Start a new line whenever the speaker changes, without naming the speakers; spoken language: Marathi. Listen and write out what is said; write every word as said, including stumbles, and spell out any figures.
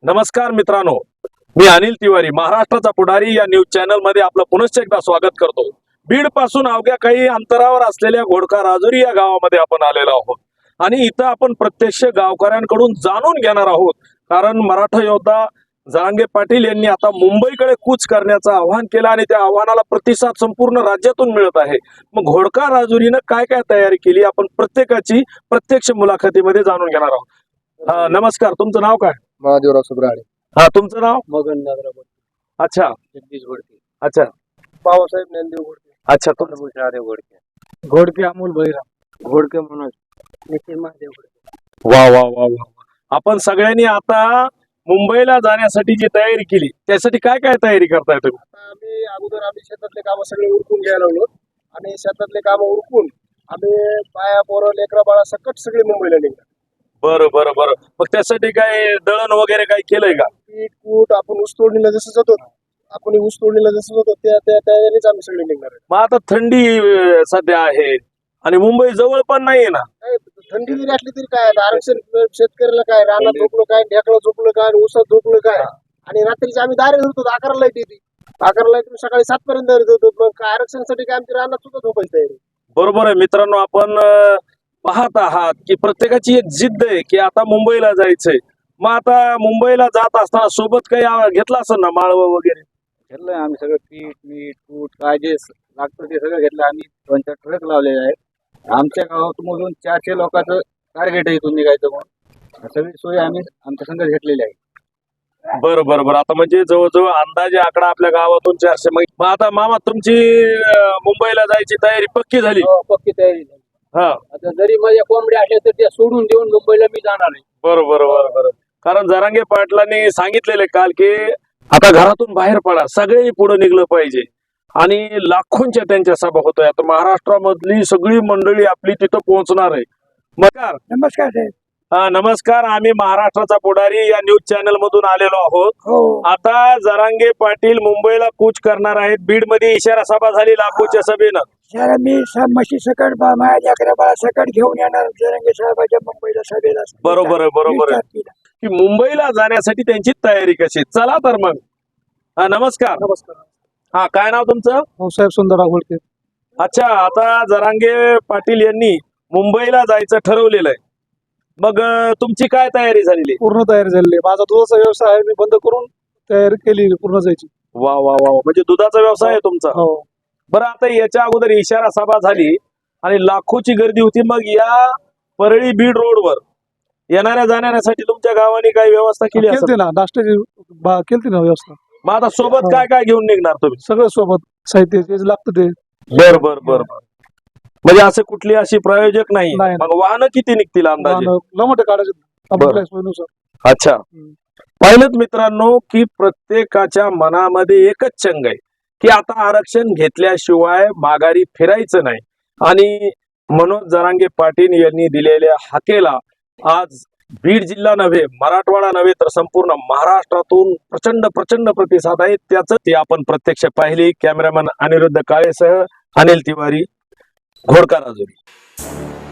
नमस्कार मित्रांनो, मी अनिल तिवारी, महाराष्ट्राचा पुढारी या न्यूज चॅनल मध्ये आपलं पुनश्च एकदा स्वागत करतो। बीड पासून अवघ्या काही अंतरावर असलेल्या घोडका राजुरी या गावामध्ये आपण आलेलो आहोत आणि इथं आपण प्रत्यक्ष गावकऱ्यांकडून जाणून घेणार आहोत, कारण मराठा योद्धा जरांगे पाटील यांनी आता मुंबईकडे कूच करण्याचं आवाहन केलं आणि त्या आव्हानाला प्रतिसाद संपूर्ण राज्यातून मिळत आहे। मग घोडका राजुरीनं काय काय तयारी केली आपण प्रत्येकाची प्रत्यक्ष मुलाखतीमध्ये जाणून घेणार आहोत। हा, नमस्कार, तुमचं नाव काय?
महादेवराव सुब्राडे।
हा, तुमचं नाव?
मगन नागराव।
अच्छा,
जगदीश घोडके।
अच्छा,
बाबासाहेब ज्ञानदेव घोडके।
अच्छा, तुमचं?
महादेव घोडके। घोडके अमोल भैरव। घोडके मनोज। नितीन महादेव घोडके।
वा वा वा वा, आपण सगळ्यांनी आता मुंबईला जाण्यासाठी जी तयारी केली त्यासाठी काय काय तयारी करताय तुम्ही?
आता आम्ही अगोदर आम्ही शेतातले काम सगळे उरकून घ्यायला लागलो आणि शेतातले काम उरकून आम्ही बाया पोरं लेकरा बाळा सकट सगळे मुंबईला निघालो।
बरं बरं बरं, मग त्यासाठी काय दळण वगैरे काय केलंय का?
पीठ कूट आपण ऊस तोडणीला जसं जातो आपण ऊस तोडणीला जसं जातो त्या त्या तयारीच आम्ही सगळे निघणार आहे।
मग आता थंडी अं, सध्या आहे आणि मुंबई जवळ पण नाहीये ना?
काय थंडी जरी असली तरी काय आरक्षण शेतकऱ्याला काय रानात झोपलं काय ढेकळं झोपलं काय ऊसात झोपलं काय आणि रात्रीची आम्ही दारे धरतो अकरा लाईट येते अकरा लाईट सकाळी सात पर्यंत दारे धरतो मग काय आरक्षणासाठी काय आमची रानात सुद्धा झोपायची तयारी।
बरोबर आहे मित्रांनो, आपण अं, पाहत आहात की प्रत्येकाची एक जिद्द आहे की आता मुंबईला जायचंय। मग आता मुंबईला जात असताना सोबत काही आ- घेतलं असेल ना माळव वगैरे?
घेतलंय आम्ही सगळं पीठ मीठ कूट काय जे लागतं ते सगळं घेतलं आम्ही। दोन चार ट्रक लावलेले आहेत आमच्या गावातून चारशे लोकांचं टार्गेट आहे इथून निघायचं म्हणून सगळी सोय आम्ही आमच्या संघ घेतलेली आहे।
बरं बरं बरं, आता म्हणजे जवळजवळ अंदाजे आकडा आपल्या गावातून चारशे। मग मग आता मामा तुमची अं, मुंबईला जायची तयारी पक्की झाली?
हो, पक्की तयारी झाली।
हा,
आता जरी माझ्या कोंबड्या असल्या तर त्या सोडून देऊन मुंबईला मी जाणार आहे।
बरं बरं बरं बरं, कारण जरांगे पाटलांनी सांगितलेले काल की आता घरातून बाहेर पडा, सगळे पुढे निघलं पाहिजे आणि लाखोंच्या त्यांच्या सभा होतोय। आता महाराष्ट्रामधली सगळी मंडळी आपली तिथं पोहोचणार आहे। नमस्कार।
नमस्कार साहेब।
हा, नमस्कार, आम्ही महाराष्ट्राचा पुढारी या न्यूज चॅनल मधून आलेलो आहोत।
हो,
आता जरांगे पाटील मुंबईला कूच करणार आहेत। बीड मध्ये इशारा सभा झाली लाखोच्या सभेनं।
सर मी स- म्हशी सकट बा- माझ्या अकरा बाळा सकट घेऊन येणार जरंगे साहेबाच्या मुंबईला सभेला।
बरोबर आहे, बरोबर आहे
वीस तारखेला.
की मुंबईला जाण्यासाठी त्यांची तयारी कशी? चला तर मग। हा, नमस्कार।
नमस्कार।
हा, काय नाव तुमचं?
भाऊसाहेब सुंदरराव घोडके।
अच्छा, आता जरांगे पाटील यांनी मुंबईला जायचं ठरवलेलं आहे, मग अं, तुमची काय तयारी झालेली?
पूर्ण तयारी झालेली आहे। माझा दुधाचा व्यवसाय आहे, मी बंद करून तयारी केली पूर्ण जायची।
वा वा वा वा, म्हणजे दुधाचा व्यवसाय आहे तुमचा?
हो,
बरं, आता याच्या अगोदर इशारा सभा झाली आणि लाखोची गर्दी होती, मग या परळी बीड रोडवर येणाऱ्या जाण्यासाठी तुमच्या गावाने काही व्यवस्था केली असेल?
केलती ना नाश्त्याची बा- केलती ना व्यवस्था।
मग आता सोबत काय काय घेऊन निघणार तुम्ही?
सगळं सोबत साहित्य जे लागतं ते।
बर बर बर बर, म्हणजे असं कुठली अशी प्रायोजक नाही?
नाही.
मग वाहनं किती निघतील अंदाजे?
लमट काढायचे
बरं.
आपल्या सोयीनुसार।
अच्छा,
हम्म.
पाहिलं मित्रांनो की प्रत्येकाच्या मनामध्ये एकच चंग आहे की आता आरक्षण घेतल्याशिवाय माघारी फिरायचं नाही आणि मनोज जरांगे पाटील यांनी दिलेल्या हाकेला आज बीड जिल्हा नव्हे, मराठवाडा नव्हे तर संपूर्ण महाराष्ट्रातून प्रचंड प्रचंड प्रतिसाद आहे। त्याच ते आपण प्रत्यक्ष पाहिली। कॅमेरामॅन अनिरुद्ध काळेसह अनिल तिवारी, घोडका राजुरी।